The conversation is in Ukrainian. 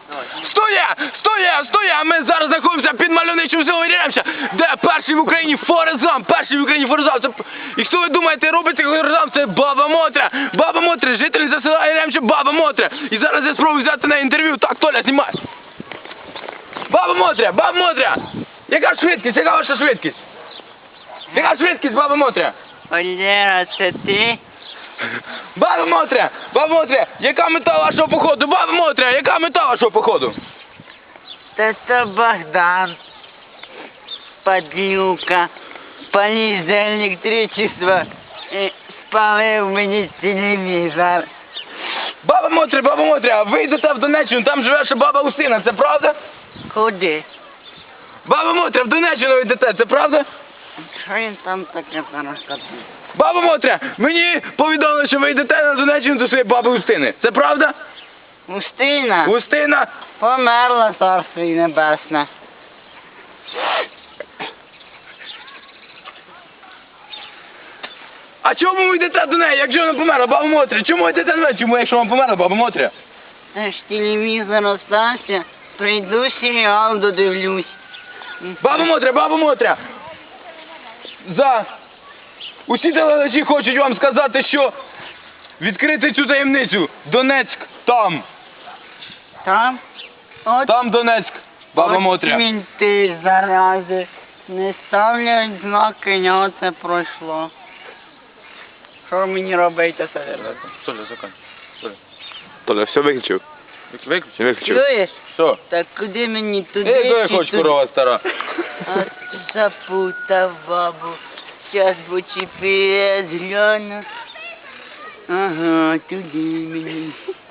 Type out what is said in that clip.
Стоя! Ми зараз знаходимося під мальовничим селом Яремча, де перший в Україні Форест Гамп. І хто ви думаєте, робить Форест Гамп? Це Баба Мотря. Баба Мотря, жительниця села Яремча, Баба Мотря. І зараз я спробую взяти на інтерв'ю. Так, Толя, знімай. Баба Мотря! Яка ваша швидкість? Яка швидкість, Баба Мотря? Валера, це ти? Баба Мотря, яка мета вашого походу? Баба Мотря, яка мета вашого походу? Та це Богдан. Падлюка. Поліз за електричество і спалив мені телевізор. Баба Мотря, ви йдете в Донеччину, там живе ще баба Устина, це правда? Куди? Баба Мотря, в Донеччину ви йдете, це правда? Що він там таке розказує? Баба Мотря, мені повідомили, що ви йдете на Донеччину до своєї баби Устини. Це правда? Устина? Устина? Померла, царство їй небесне. А чому ви йдете до неї, якщо вона померла, Баба Мотря? Чому ви йдете до неї? Чому, якщо вона померла, Баба Мотря? Та ж телевізор остався, прийду серіал додивлюсь. Баба Мотря! Усі телеглядачі хочуть вам сказати, що відкрити цю таємницю. Донецьк там. Там? От Там Донецьк, Баба Мотря. мінти, зарази, не ставлять знаки, ня це пройшло. Що мені робити, Савєр? Толя, все виключив. Виключив. Чуєш? Що? Так куди мені туди? Я чи хоч туди? корова стара. А запутав бабу. Щас в GPS гляну. Ага, туди мені.